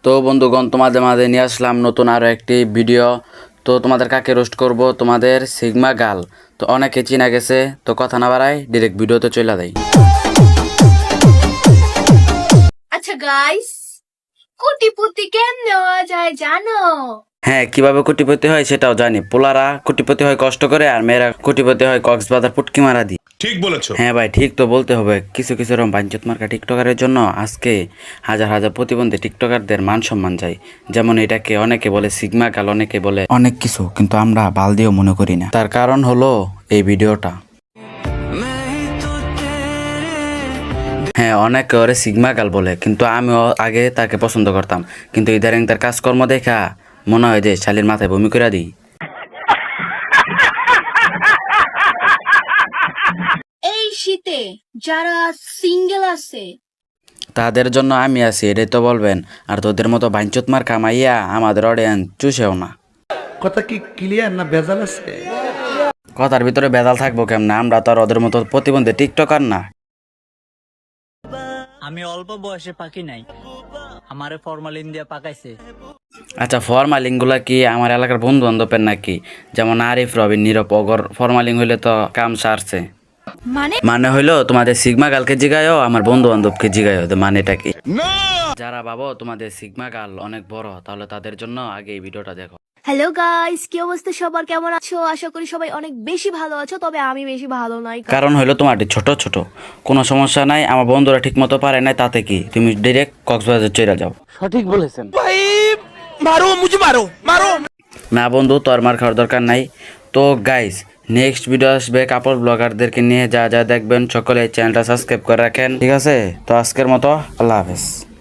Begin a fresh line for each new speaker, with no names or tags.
তো বন্ধুগণ, তোমাদের মাঝে নিয়ে আসলাম নতুন আরও একটি ভিডিও। তো তোমাদের কাকে রোস্ট করব? তোমাদের সিগমা গার্ল। তো অনেকে চিনা গেছে, তো কথা না বাড়াই ডিরেক্ট ভিডিওতে চলে দেয়।
আচ্ছা গাইস, কোটিপতি কেমনে হওয়া যায় জানো?
হ্যাঁ, কিভাবে কোটিপতি হয় সেটাও জানি। পোলারা কোটিপতি হয় কষ্ট করে, আর মেয়েরা কোটিপতি হয় কক্সবাজার পুটকি মারা দি।
ঠিক বলেছো।
হ্যাঁ ভাই, ঠিক তো বলতে হবে। কিছু কিছু রকম বাঞ্চত মার্কা টিকটকারের জন্য আজকে হাজার হাজার প্রতিবন্ধী টিকটকারদের মান সম্মান যায়। যেমন এটাকে অনেকে বলে সিগমা গাল, অনেকে বলে অনেক কিছু, কিন্তু আমরা বাল দিয়েও মনে করি না। তার কারণ হলো এই ভিডিওটা। হ্যাঁ, অনেকে ওরে সিগমা গাল বলে, কিন্তু আমিও আগে তাকে পছন্দ করতাম। কিন্তু ইদারিং তার কাজকর্ম দেখা মনে হয় যে শালির মাথায় বমি করে দিই।
এই শীতে যারা সিঙ্গেল আছে
তাদের জন্য আমি আছি, এটাই তো বলবেন। আর তোদের মতো বাঞ্চত মার কামাইয়া আমাদের অডিয়েন্স চুষেও না।
কথা কি ক্লিয়ার না ভেজাল আছে?
কথার ভিতরে বেদাল থাকবো কেমনে? আমরা তো আর ওদের মতো প্রতিবন্ধী টিকটকার না।
আমি অল্প বয়সে পাকি নাই, আমারে ফরমালিন দিয়ে পাকাইছে।
আচ্ছা, ফরমালিং গুলা কি আমার এলাকার বন্ধু বান্ধবের নাকি? যেমন আরিফ, রবিন, নীরব, অগর ফরমালিং হইলে তো কাম সারছে। মানে হইলো তোমাদের সিগমা গালকে জিগায়ও, আমার বন্ধু বান্ধবকে জিগায়ও। মানেটা কি? যারা ভাবো তোমাদের সিগমা গাল অনেক বড়, তাহলে তাদের জন্য আগে এই ভিডিওটা দেখো।
হ্যালো গাইস, কি অবস্থা সবার? কেমন আছো? আশা করি সবাই অনেক বেশি ভালো আছো, তবে আমি বেশি ভালো নাই।
কারণ হইলো তোমার ছোট ছোট কোনো সমস্যা নাই, আমার বন্ধুরা ঠিক মতো পারে নাই, তাতে কি তুমি ডিরেক্ট কক্সবাজার চলে যাও।
মারো মুঝে মারো মারো।
না বন্ধু, তোর মার খাওয়ার দরকার নাই। তো গাইস, নেক্সট ভিডিও আসবে কাপড় ব্লগারদেরকে নিয়ে। যা যা দেখবেন সকলে চ্যানেলটা সাবস্ক্রাইব করে রাখেন, ঠিক আছে? তো আজকের মতো আল্লাহ হাফেজ।